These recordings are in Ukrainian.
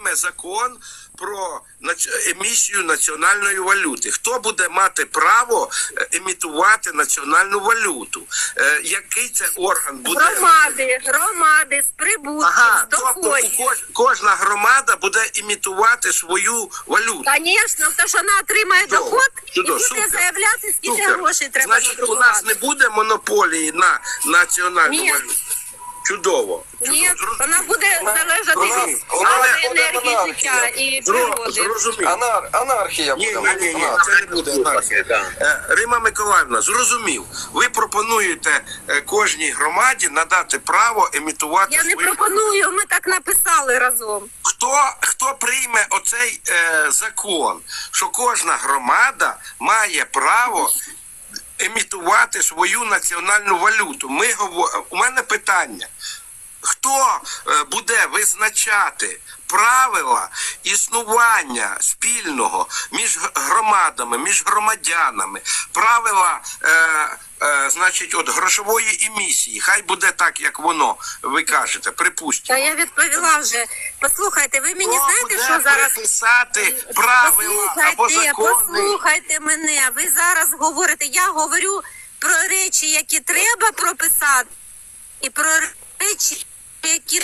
прийме закон про емісію національної валюти? Хто буде мати право емітувати національну валюту? Який це орган буде? Громади з прибутків, Ага, з доходів. тобто кожна громада буде імітувати свою валюту. Звісно, тому що вона отримає доход і буде супер. заявляти, скільки Супер. грошей треба Значить, у надрукувати. нас не буде монополії на національну Ні. валюту? Чудово. Ні, вона буде залежати від Але- енергії життя і природи. Зрозумів. Анархія Ні, буде. це не буде анархія. Рима Миколаївна, зрозумів. Ви пропонуєте кожній громаді надати право емітувати Я не свою... пропоную, ми так написали разом. Хто прийме оцей закон, що кожна громада має право емітувати свою національну валюту? У мене питання. Хто буде визначати правила існування спільного між громадами, між громадянами, правила, значить, от грошової емісії? Хай буде так, як воно, ви кажете, припустимо. Та я відповіла вже. Послухайте, ви мені Хто знаєте, буде що зараз... приписати правила або закони? Послухайте мене. Ви зараз говорите, я говорю про речі, які треба прописати, і про речі, які...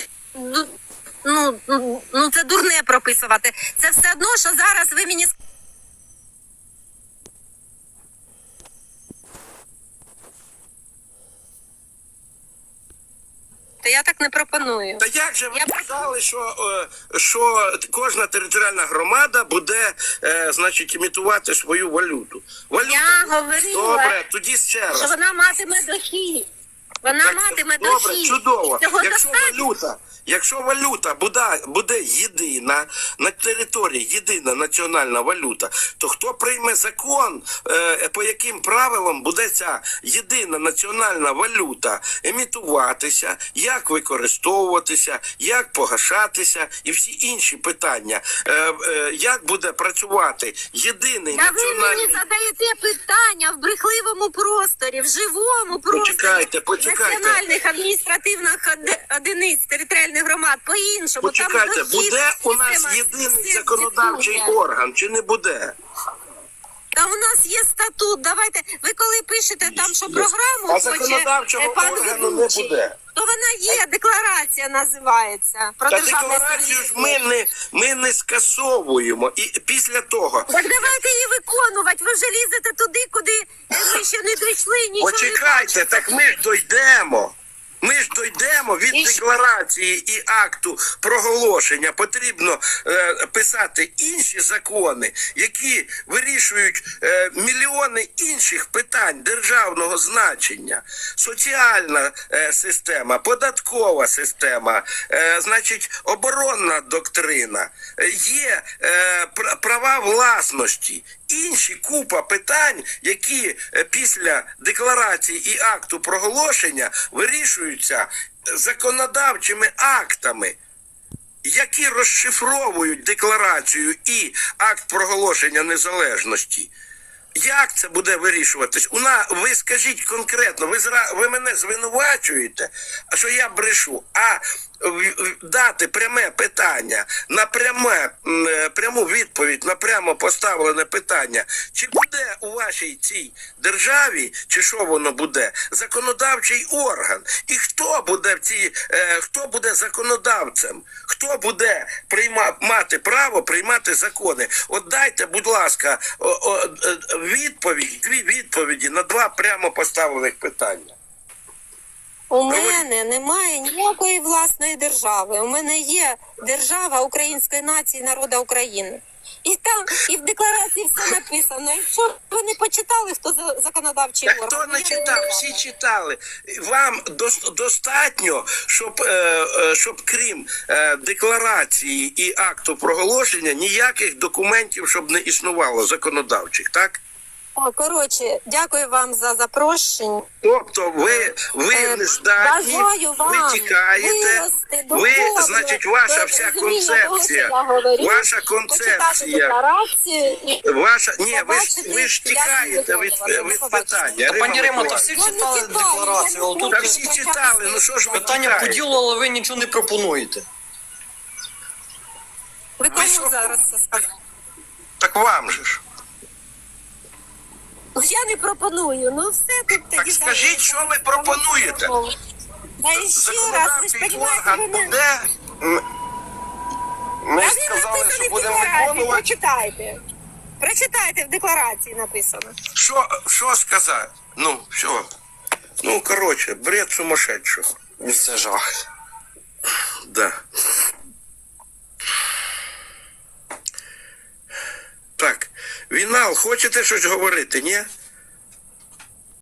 Ну, це дурне прописувати. Це все одно, що зараз ви мені... Я так не пропоную. Та як же ви казали, що кожна територіальна громада буде, значить, імітувати свою валюту? Я говорила, Добре, тоді ще раз. що вона матиме дохід. Вона матиме Добре, дохід. чудово. Цього Якщо валюта буде єдина, на території єдина національна валюта, то хто прийме закон, по яким правилам буде ця єдина національна валюта емітуватися, як використовуватися, як погашатися і всі інші питання? Як буде працювати єдиний національний... Ви мені задаєте питання в брехливому просторі, в живому просторі. Почекайте. Національних адміністративних одиниць територіальних громад по-іншому. Почекайте, буде у нас єдиний законодавчий орган чи не буде? Та у нас є статут. Давайте, ви коли пишете там, що програму а законодавчого пан органу не ведучий, буде. то вона є, декларація називається. Про Та державне декларацію ж суверенітет. ми не скасовуємо. І після того... Так давайте її виконувати. Ви вже лізете туди, куди ми ще не дійшли, нічого Почекайте, не так ми ж дійдемо. Ми ж дійдемо від декларації і акту проголошення. Потрібно писати інші закони, які вирішують мільйони інших питань державного значення. Соціальна система, податкова система, значить, оборонна доктрина, є права власності. Інші купа питань, які після декларації і акту проголошення вирішуються законодавчими актами, які розшифровують декларацію і акт проголошення незалежності. Як це буде вирішуватись? Ви скажіть конкретно, ви мене звинувачуєте, що я брешу, а дати пряме питання, на пряму відповідь на прямо поставлене питання, чи буде у вашій цій державі, чи що воно буде, законодавчий орган, і хто буде законодавцем, хто буде мати право приймати закони. От дайте, будь ласка, дві відповіді на два прямо поставлених питання. У мене немає ніякої власної держави. У мене є держава української нації, народу України. І там, і в декларації все написано. Якщо ви не почитали, хто законодавчий орган. Хто не читав? Всі читали. Вам достатньо, щоб крім декларації і акту проголошення, ніяких документів, щоб не існувало законодавчих, так? Коротше, дякую вам за запрошення. Тобто ви не здатні, ви тікаєте, значить, ваша вся концепція, ви ж тікаєте від питання. Пані Рима, то всі читали декларацію. Та всі читали, ну що ж ви Питання по ділу, але ви нічого не пропонуєте. Ви кому зараз це сказали? Так вам же ж. Ну, я не пропоную. Ну все тут Так тоді скажіть, зараз. що ви пропонуєте? Та і ще раз, ви ж Законодавчий розумієте, орган ви не... буде. Ми А ж він сказали, написаний що в будемо декларації, виконувати. прочитайте. Прочитайте, в декларації написано. Що сказати? Ну, що? Ну, коротше, бред сумасшедшого. Це жах. Да. Так, Вінал, хочете щось говорити, ні?